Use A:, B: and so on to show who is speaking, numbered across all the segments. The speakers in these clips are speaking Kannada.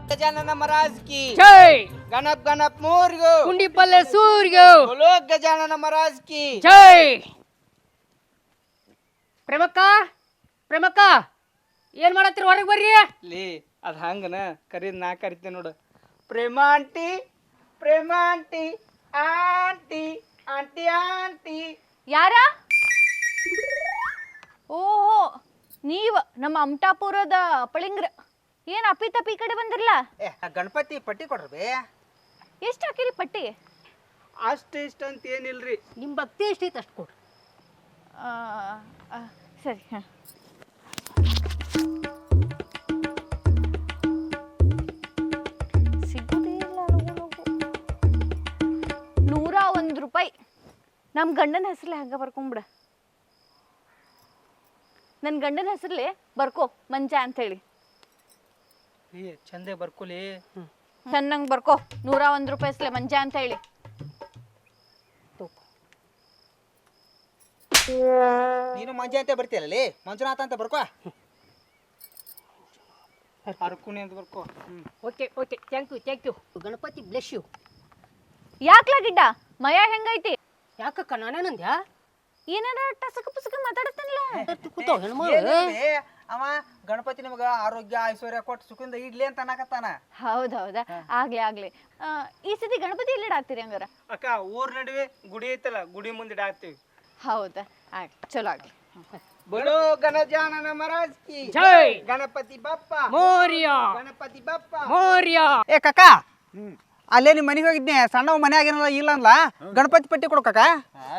A: गजानन महाराज की
B: जय।
A: गणप गणप मोर्यो
B: कुंडी पल्ले सूर्यो
A: बोलो गजानन महाराज की
B: जय। ಪ್ರೇಮಕ್ಕ ಪ್ರೇಮಕ್ಕ ಏನ್ ಮಾಡತ್ತೀರಿ ಹೊರಗೆ ಬರ್ರಿ
A: ಲೇ ಅದ್ ಹಂಗನ ಕರೀದ್ ನಾ ಕರಿತೆ ನೋಡು Prema aunty aunty aunty aunty
C: ಯಾರ ಓಹೋ ನೀವ್ ನಮ್ಮ ಅಮಟಾಪುರದ ಪಳಿಂಗ್ರ ಏನ್ ಅಪ್ಪಿ ತಪ್ಪಿ ಈ ಕಡೆ ಬಂದಿರಲ್ಲ
A: ಗಣಪತಿ ಪಟ್ಟಿ ಕೊಡ್ರಿ
C: ಎಷ್ಟು ಹಾಕಿರಿ ಪಟ್ಟಿ
A: ಅಷ್ಟು ಇಷ್ಟ ಅಂತ ಏನಿಲ್ರಿ
B: ನಿಮ್ ಭಕ್ತಿ ಎಷ್ಟೈತೆ ಅಷ್ಟು ಕೊಡ್ರಿ
C: ಸರಿ ಸಿಗುದಿಲ್ಲ ₹101 ನಮ್ಮ ಗಂಡನ ಹೆಸರಲ್ಲೇ ಹಂಗ ಬರ್ಕೊಂಬಿಡ ನನ್ನ ಗಂಡನ ಹೆಸರಲ್ಲೇ ಬರ್ಕೋ ಮಂಜ ಅಂತ ಹೇಳಿ
A: ಚಂದೆ ಬರ್ಕೊಲಿ
C: ಚೆನ್ನಾಗಿ ಬರ್ಕೋ ₹101 ಹೆಸರಲ್ಲೇ ಮಂಜ ಅಂತ ಹೇಳಿ
A: ನೀನು ಮಂಜೆ ಅಂತ ಬರ್ತೀಯಲ್ಲ ಮಂಜುನಾಥ ಅಂತ ಬರ್ಕೋ ಅರ್ಕುನಿ ಅಂತ ಬರ್ಕೋ
B: okay okay thank you Ganapati bless you
C: ಯಾಕ್ಲಾ ಗಿಡ್ಡ ಮಯ ಹೆಂಗೈತಿ
B: ಯಾಕಕ್ಕ ನಾನೇನಂದ್ಯಾ
C: ಏನಾರ ಟಸಕ ಪುಸಕ ಮಾತಾಡತ್ತಲ್ಲ
B: ಕೂತಾವ ಹೆಣ್ಮಗಳು
A: ಅವ ಗಣಪತಿ ನಿಮಗ ಆರೋಗ್ಯ ಐಶ್ವರ್ಯ ಕೊಟ್ಟು ಸುಖದಿಂದ ಇಡ್ಲಿ ಅಂತ ಅನ್ನಕತ್ತಾನ
C: ಹೌದೌದಾ ಆಗ್ಲಿ ಈ ಸತಿ ಗಣಪತಿ ಎಲ್ಲಿ ಇಡಾಕ್ತೀರಿ ಹಂಗಾರ
A: ಅಕ್ಕ ಊರ್ ನಡುವೆ ಗುಡಿ ಐತಲ್ಲ ಗುಡಿ ಮುಂದೆ ಇಡಾಕ್ತಿವಿ
C: ಹೌದಾ ಆಗ್ಲಿ ಚಲೋ ಆಗ್ಲಿ
A: बोलो गणजानन महाराज की
B: जय।
A: गणपति बप्पा
B: ಮೋರ್ಯ
A: गणपति बप्पा
B: ಮೋರ್ಯ
D: ಏ ಕಾಕ ಅಲ್ಲೇ ನಿಮ್ಮ ಮನೆಗೆ ಹೋಗಿದ್ನೆ ಸಣ್ಣವ ಮನೆ ಆಗಿರಲ್ಲ ಇಲ್ಲ ಅನ್ಲ ಗಣಪತಿ ಪಟ್ಟಿ ಕೊಡು ಕಾಕ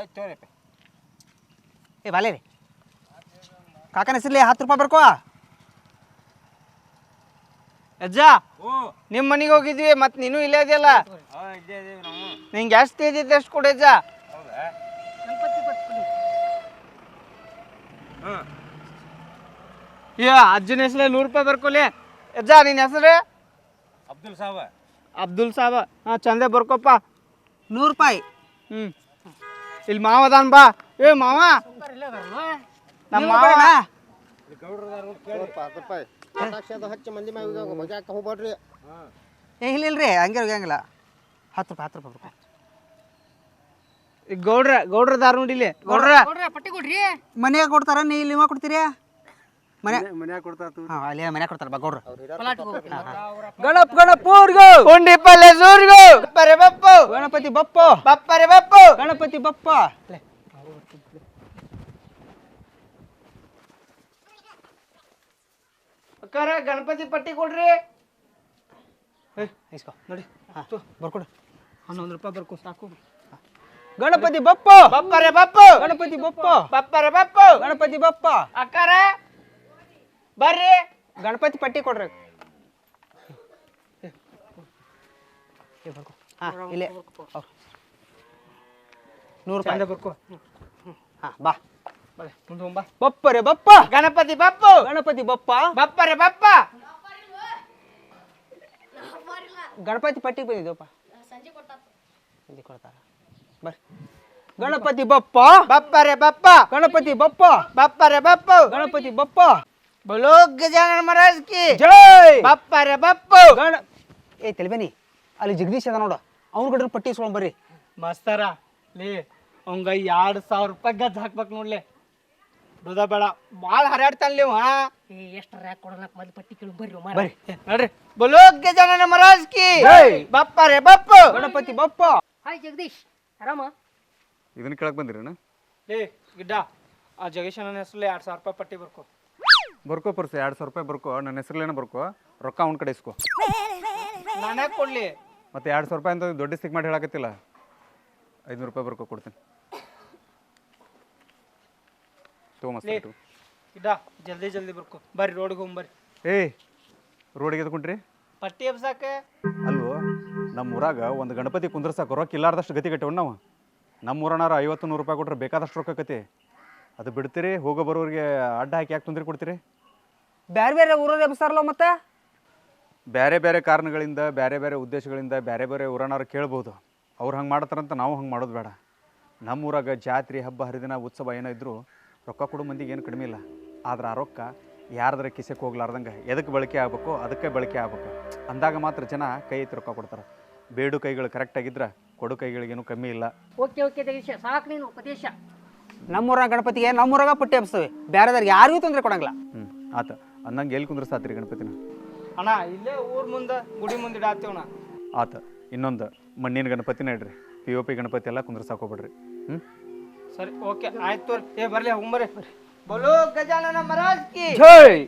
D: ಏ ಬಾಲೇ ರೀ ಕಾಕನ ಹೆಸರ್ಲಿ ₹10 ಬರ್ಕೋ
A: ಅಜ್ಜ ನಿಮ್ಮ ಮನೆಗೆ ಹೋಗಿದ್ವಿ ಮತ್ ನೀನು ಇಲ್ಲೇ ಇದೆಯಲ್ಲ ನಿಂಗೆ ಎಷ್ಟು ಇದ್ದಿದ್ದು ಎಷ್ಟು ಕೊಡಿ ಅಜ್ಜ ಅಜ್ಜನ ಹೆಸರೇ ₹100 ಬರ್ಕೊಲಿ ಅಜ್ಜ ನಿನ್ನ ಹೆಸರು ಅಬ್ದುಲ್ ಸಾಬ ಹಾ ಚಂದೆ ಬರ್ಕೊಪ್ಪ
D: ₹100
A: ಇಲ್ಲಿ ಮಾವ ಅದಾನ ಬಾ ಏ ಮಾವ ನಮ್ಮ ಮಾವ
D: ಏ ಇಲ್ರಿ ಹಂಗೆ ಹೋಗಂಗಿಲ್ಲ ₹10 ಬರ್ಕೋ
A: ಈಗ ಗೌಡ್ರ ದಾರ ನೋಡಿಲಿ ಗೌಡ್ರ
B: ಪಟ್ಟಿ ಕೊಡ್ರಿ
D: ಮನ್ಯಾಗ ಕೊಡ್ತಾರ ನೀ ಇಲ್ಲಿ ಕೊಡ್ತೀರಿ ಮನ್ಯಾಗ ಕೊಡ್ತಾರ ಹಾಂ ಅಲ್ಲಿ ಮನ್ಯಾಗ ಕೊಡ್ತಾರ ಬಾ ಗೌಡ್ರ ಗಣಪ್ ಗಣಪೂರ್ಗೋ
A: ಕುಂಡಿ ಪಲ್ಲೆ ಸೂರ್ಗೋ ಬಪ್ಪರೆ ಬಪ್ಪು
D: ಗಣಪತಿ ಬಪ್ಪ
A: ಬಪ್ಪರೆ ಬಪ್ಪು
D: ಗಣಪತಿ ಬಪ್ಪ
A: ಅಕ್ಕಾರ ಗಣಪತಿ ಪಟ್ಟಿ ಕೊಡ್ರಿ
D: ಇಸ್ಕೋ ನೋಡಿ ಬರ್ಕೊಡು
A: ₹11 ಬರ್ಕೋ ಸಾಕು
D: ಗಣಪತಿ ಬಪ್ಪ
A: ಬಪ್ಪರೆ ಬಪ್ಪು
D: ಗಣಪತಿ ಬಪ್ಪ
A: ಬಪ್ಪರೆ ಬಪ್ಪು
D: ಗಣಪತಿ ಬಪ್ಪ
A: ಅಕ್ಕಾರ ಬರ್ರಿ
D: ಗಣಪತಿ ಪಟ್ಟಿ ಕೊಡ್ರಿ ಹಾಂ ಇಲ್ಲೇ ₹100
A: ಬರ್ಕೋ
D: ಹಾಂ ಬಾ
A: ಮುಂದೆ ಹೋಗ್ಬಾ
D: ಬಪ್ಪರೆ ಬಪ್ಪ
A: ಗಣಪತಿ ಬಪ್ಪು
D: ಗಣಪತಿ ಬಪ್ಪ
A: ಬಪ್ಪರೆ ಬಪ್ಪ
D: ಗಣಪತಿ ಪಟ್ಟಿ ಬಂದಿದ್ದಪ್ಪ ಸಂಜೆ ಕೊಡ್ತಾರ ಬರ್ರಿ ಗಣಪತಿ ಬಪ್ಪ
A: ಬಪ್ಪರೆ ಬಪ್ಪ
D: ಗಣಪತಿ ಬಪ್ಪ
A: ಬಪ್ಪರೆ ಬಪ್ಪು
D: ಗಣಪತಿ ಬಪ್ಪ
A: बोलो गजानन महाराज की
D: ಜೈ
A: ಬಪ್ಪರೆ ಬಪ್ಪು
D: ಗಣ ಏ ತೆಲಿಬೇನಿ ಅಲ್ಲಿ ಜಗದೀಶ್ ಅದ ನೋಡ ಅವ್ನ ಕಡೆ ಪಟ್ಟಿ ಇಸ್ಕೊಂಡ್ ಬರ್ರಿ
A: ಮಸ್ತರ ಲೇ ಅವಂಗ ₹2,000 ಗಜ್ ಹಾಕ್ಬೇಕು ನೋಡ್ಲೆ ದುದ ಬೇಡ ಭಾಳ ಹರ್ಯಾಡ್ತಾನ್ಲಿ ಅವ
B: ಎಷ್ಟರ ಯಾಕೆ ಕೊಡೋಣ ಮೊದಲು ಪಟ್ಟಿ ಕೇಳಿ ಬರ್ರಿ
D: ಬರ್ರಿ
A: ನೋಡ್ರಿ बोलो गजानन महाराज की
D: ಜೈ
A: ಬಪ್ಪರೆ ಬಪ್ಪು
D: ಗಣಪತಿ ಬಪ್ಪ
B: ಹಾಯ್ ಜಗದೀಶ್ ಆರಾಮ
E: ಇದನ್ನ ಕೇಳಕ್ ಬಂದಿರೇನ
A: ಲೇ ಗಿಡ್ಡ ಆ ಜಗೇಶನ ಹೆಸರಲ್ಲಿ ₹2,000 ಪಟ್ಟಿ ಬರ್ಕೋ
E: ಬರ್ಕೋ ಪರ್ಸ ₹2,000 ಬರ್ಕೋ ನನ್ನ ಹೆಸರಲ್ಲೇನ ಬರ್ಕೋ ರೊಕ್ಕ ಅವ್ನ ಕಡೆ ಇಸ್ಕೋ
A: ನಾನೇ ಕೊಡ್ಲಿ
E: ಮತ್ತೆ ₹2,000 ಅಂತ ದೊಡ್ಡ ಸಿಕ್ ಮಾಡಿ ಹೇಳಕತ್ತಿಲ್ಲ ₹500 ಬರ್ಕೋ ಕೊಡ್ತೀನಿ ತಗೋ ಮಸ್ತ್ ಆಯ್ತು.
A: ಗಿಡ್ಡ ಜಲ್ದಿ ಜಲ್ದಿ ಬರ್ಕೋ ಬರ್ರಿ ರೋಡ್ಗೆ ಹೋಗ್ಬರ್ರಿ
E: ಏಯ್ ರೋಡಿಗೆ ಎದ್ಕೊಂಡ್ರಿ
A: ಪಟ್ಟಿ ಎಬ್ಸಾಕೆ
E: ಅಲ್ವೋ ನಮ್ಮ ಊರಾಗ ಒಂದು ಗಣಪತಿ ಕುಂದ್ರಸಾಕ ರೊಕ್ಕ ಇಲ್ಲಾರ್ದಷ್ಟು ಗತಿ ಕಟ್ಟಿವ್ ನಾವು ನಮ್ಮ ಊರನಾರ ₹50-100 ಕೊಟ್ರೆ ಬೇಕಾದಷ್ಟು ರೊಕ್ಕ ಕತಿ ಅದು ಬಿಡ್ತೀರಿ ಹೋಗೋ ಬರೋರಿಗೆ ಅಡ್ಡ ಹಾಕಿ ಯಾಕೆ ತೊಂದರೆ ಕೊಡ್ತೀರಿ
D: ಬೇರೆ ಬೇರೆ ಊರಲ್ಲಿ ಎಬ್ಸಾರಲ್ಲ ಮತ್ತೆ
E: ಬೇರೆ ಬೇರೆ ಕಾರಣಗಳಿಂದ ಬೇರೆ ಬೇರೆ ಉದ್ದೇಶಗಳಿಂದ ಬೇರೆ ಬೇರೆ ಊರನಾರು ಕೇಳ್ಬೋದು ಅವ್ರು ಹಂಗೆ ಮಾಡ್ತಾರಂತ ನಾವು ಹಂಗೆ ಮಾಡೋದು ಬೇಡ ನಮ್ಮ ಊರಾಗ ಜಾತ್ರೆ ಹಬ್ಬ ಹರಿದಿನ ಉತ್ಸವ ಏನೋ ಇದ್ದರೂ ರೊಕ್ಕ ಕೊಡೋ ಮಂದಿಗೆ ಏನು ಕಡಿಮೆ ಇಲ್ಲ ಆದ್ರೆ ಆ ರೊಕ್ಕ ಯಾರ್ದಾರ ಕಿಸೆಗೆ ಹೋಗ್ಲಾರ್ದಂಗೆ ಎದಕ್ಕೆ ಬಳಕೆ ಆಗ್ಬೇಕು ಅದಕ್ಕೆ ಬಳಕೆ ಆಗ್ಬೇಕು ಅಂದಾಗ ಮಾತ್ರ ಜನ ಕೈ ಎತ್ತಿ ರೊಕ್ಕ ಕೊಡ್ತಾರೆ. ಬೇಡು ಕೈಗಳು ಕರೆಕ್ಟಾಗಿದ್ರೆ ಕೊಡು ಕೈಗಳಿಗೇನು ಕಮ್ಮಿ ಇಲ್ಲ.
B: ಓಕೆ ಓಕೆ ದೇಶ ಸಾಕು ನೀನು ಉಪದೇಶ.
D: ನಮ್ಮೂರಾಗ ಗಣಪತಿಗೆ ನಮ್ಮೂರಾಗ ಪಟ್ಟಿ ಹಬ್ಸ್ತೇವೆ, ಬೇರೆದವ್ರಿಗೆ ಯಾರಿಗೂ ತೊಂದರೆ ಕೊಡಂಗಿಲ್ಲ.
E: ಆತ ಅಂದಂಗೆ ಎಲ್ಲಿ ಕುಂದ್ರಸಾತ್ರಿ ಗಣಪತಿನ?
A: ಅಣ್ಣ ಇಲ್ಲೇ ಊರ್ ಮುಂದೆ ಗುಡಿ ಮುಂದೆ ಇಡಾತೀವಣ್ಣ.
E: ಆತ ಇನ್ನೊಂದು ಮಣ್ಣಿನ ಗಣಪತಿನ ಇಡ್ರಿ, POP ಗಣಪತಿ ಎಲ್ಲ ಕುಂದ್ರಸಾಕೋಬಿಡ್ರಿ.
A: ಸರಿ ಓಕೆ ಆಯ್ತು ತೋರಿ. ಬರ್ಲಿ ಹೋಗ್ಬರ್ರಿ. ಬೋಲೋ ಗಜಾನನ ಮಹಾರಾಜ್ ಕಿ
D: ಜೈ.